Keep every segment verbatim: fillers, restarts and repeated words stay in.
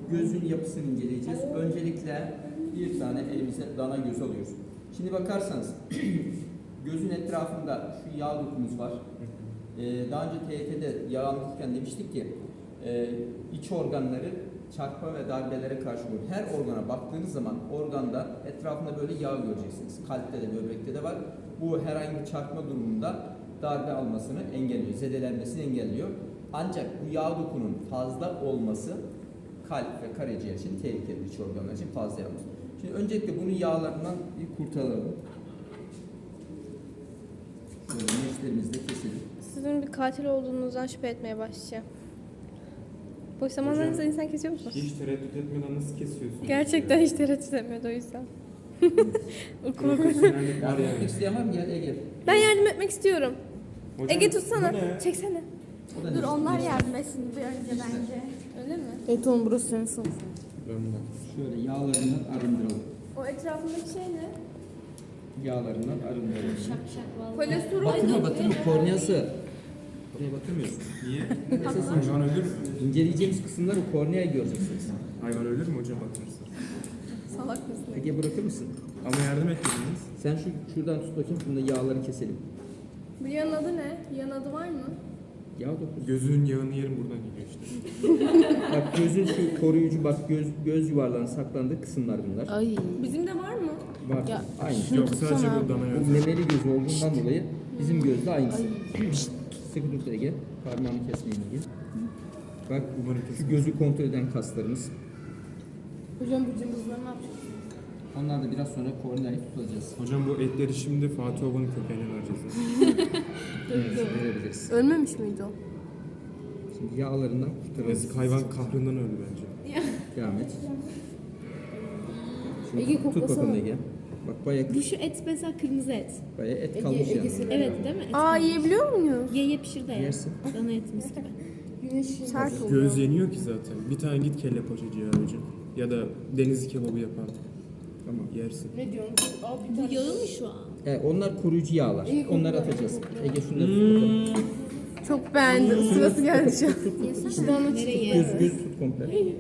gözün yapısını inceleyeceğiz. Öncelikle bir tane elimize dana göz alıyoruz. Şimdi bakarsanız gözün etrafında şu yağ dokumuz var. Ee, daha önce T Y T'de yağ anlatırken demiştik ki e, iç organları çarpma ve darbelere karşı korur. Her organa baktığınız zaman organda etrafında böyle yağ göreceksiniz. Kalpte de böbrekte de var. Bu herhangi bir çarpma durumunda darbe almasını engelliyor, zedelenmesini engelliyor. Ancak bu yağ dokunun fazla olması kalp ve karaciğer için tehlikeli, iç organlar için fazla yağ olması. Şimdi öncelikle bunu yağlarından bir kurtaralım. Böyle neşterimizi de keselim. Sizin bir katil olduğunuzdan şüphe etmeye başlayacağım. Boş zamanlarınızda insan kesiyor musunuz? Hiç tereddüt etmeden nasıl kesiyorsun? Gerçekten hiç tereddüt etmiyordu o yüzden. Okuma Profesyonellik var Yardım etmek yani. isteyen var mı? Gel Ege. Ben yardım etmek istiyorum. Hocam, Ege tutsana. bu ne? Çeksene. O da Dur neşter. onlar yardım etsin bir önce bence. Öyle mi? Evet oğlum burası senin sınıfın. Ben de. Şöyle yağlarından arındıralım. O etrafındaki şey ne? Yağlarından arındıralım. Şak şak vallahi. Kolesterol. Batırma batırma korneası. Oraya batırmıyorsun. Niye? Esas Hayvan ölür mü? İnceleyeceğimiz kısımları korneayı göreceksiniz. Hayvan ölür mü hocam batırırsa? Salak mısın? Ege bırakır mısın? Ama yardım etmediniz. Sen şu şuradan tut bakayım. Bunda yağları keselim. Bu yan adı ne? Yan adı var mı? Yağ dokusu. Gözünün yağını yerim buradan geliyor işte. Bak gözün şu koruyucu bak göz göz yuvarlarının saklandığı kısımlar bunlar. Ay. Bizim de var mı? Var. Ya, Aynı. şunu Yok tutsana sadece abi. bu dana Bu yazı. memeli göz olduğundan dolayı bizim gözde aynısı. Şşt, sıkı tut Ege. Parmağını kesmeyin Ege. Bak Umarım şu kesin. gözü kontrol eden kaslarımız. Hocam bu cımbızları ne yapacağız? Onlar da biraz sonra korneayı tutacağız. Hocam bu etleri şimdi Fatih Oba'nın köpeğine vereceğiz. Evet, verebiliriz. Ölmemiş miydi o? Şimdi yağlarından kurtaralım. Yazık hayvan kahrından öldü bence. Devam et. Şimdi Ege, tut koklasana. bakalım Ege. Bak bayağı, Bu şu et mesela kırmızı et. bayağı et Ege- kalmış Ege yani. seni- Evet değil mi? Et Aa yiyebiliyor muyuz? Ye ye pişir de ye. Yersin. Dana etimiz gibi. Güneş Sert oluyor. Göz yeniyor ki zaten. Bir tane git kelle paçacıya hocam. Ya da deniz kebabı yapan. Tamam. Yersin. Ne diyorsun? Al bir Bu tane. yağı mı şu an? Evet, onlar koruyucu yağlar. İyi kokla, Onları iyi atacağız. kokla. Ege şunları tut bakalım. Çok beğendim. Sırası geldi şu an. Yesene. Nereye? Göz, göz tut komple. Nereye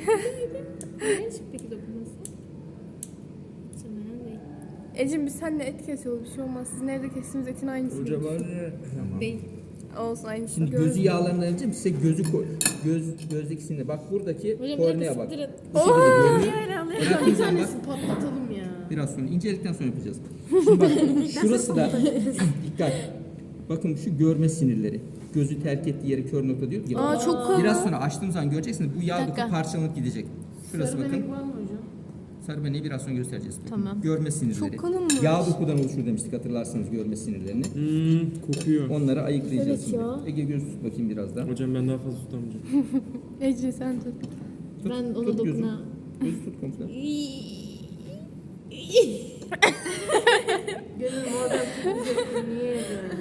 peki dokunması? Muhtemelen değil. Ecim biz seninle et kesiyoruz. Bir şey olmaz. Sizin evde kestiğimiz etin aynısı. Hoca var ya. Tamam. Değil. Olsun aynısı. Şimdi gözü yağlarından önce size gözü koy. Göz gözdekisinde bak buradaki Hocam kornea bak. direkt Bu şekilde görünüyor. Hayır Bıraktığınız zaman bak Patlatalım ya. biraz sonra inceledikten sonra yapacağız. Şimdi bak şurası da dikkat. Bakın şu görme sinirleri. Gözü terk ettiği yeri kör nokta diyor. ya. Aa çok kalın. Biraz sonra açtığım zaman göreceksiniz bu yağ doku dakika. parçalanıp gidecek. Şurası Sarı bakın. benek var mı hocam? Sarı beneği biraz sonra göstereceğiz. Tamam. Görme sinirleri. Çok kalınmış. Yağ dokudan oluşur demiştik hatırlarsanız görme sinirlerini. Hmm, kokuyor. Onları ayıklayacağız Evet şimdi. ya. Ege göz tut bakayım biraz daha. Hocam ben daha fazla tutamayacağım. Ece sen tut. Tut, Ben ona tut gözü. dokuna- Gözü tut komple. Gönül madem kırmızı niye yedin?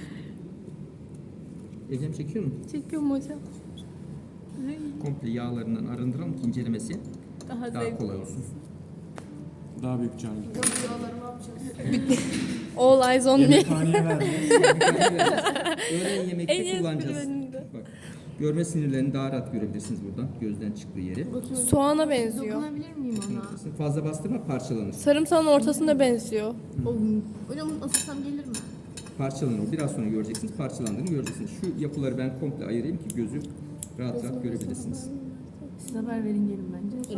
Ege'm çekiyor mu? Çekiyorum hocam. Komple yağlarından arındıralım ki incelemesi Daha daha zevkli. kolay olsun. Daha büyük canlı. Yağları ne yapacağız? All eyes on me. Yemekhaneye verdim. Öğlen yemekte En kullanacağız. espri önünde. Bak, görme sinirlerini daha rahat görebilirsiniz buradan. Gözden çıktığı yeri. Soğana benziyor. Dokunabilir miyim ona? Fazla bastırma parçalanır. Sarımsağın ortasında benziyor. Hocam bunu ısıtsam gelir mi? Parçalanır o. Biraz sonra göreceksiniz. Parçalandığını göreceksiniz. Şu yapıları ben komple ayırayım ki gözü rahat rahat görebilirsiniz. Siz haber verin gelin bence.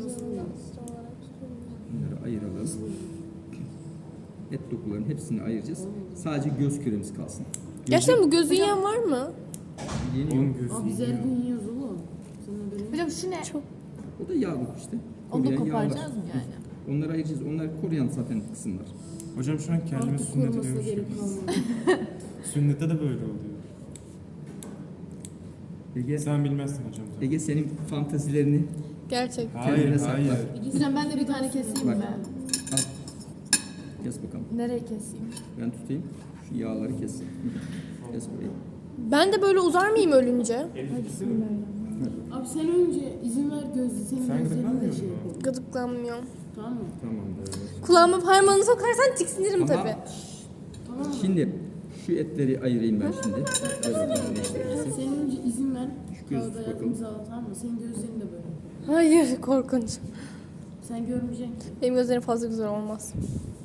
Bunları ayıralım. Et dokularının hepsini ayıracağız. Sadece göz küremiz kalsın. Gerçekten bu gözü yiyen var mı? Yeni Oğlum yok. gözü Aa biz her yiyor. gün yiyoruz oğlum. Sana haberin Hocam şu ne? Çok. O da yağ doku işte. Onu da Koruyan yağlar. koparacağız mı yani? Onları ayıracağız. Onlar koruyan zaten kısımlar. Hocam şu an kendime Artık sünnet korumasına ediyormuş. gerek gibi. kalmadı. Sünnette de böyle oluyor. Ege, Sen bilmezsin hocam. tabii. Ege senin fantazilerini Gerçek. Hayır, kendine sakla. hayır. Hocam ben de bir tane keseyim Bak. mi? Al. Kes bakalım. Nereye keseyim? Ben tutayım. Şu yağları kes. Kes burayı. Ben de böyle uzar mıyım ölünce? Abi sen önce izin ver gözlü senin Sen gözlerini de gıdıklanmıyor şey musun? yapalım. Gıdıklanmıyorum. Tamam mı? Tamamdır. Kulağıma parmağını sokarsan tiksinirim Tamam. tabii. Tamam mı? Şimdi şu etleri ayırayım ben şimdi. Böyle birleştiririz. Sen önce izin ver. Şu gözü Kağıda tut yaz bakalım. imzala tamam mı? Senin gözlerin de böyle. Hayır korkunç. Sen görmeyeceksin ki. Benim gözlerim fazla güzel olmaz.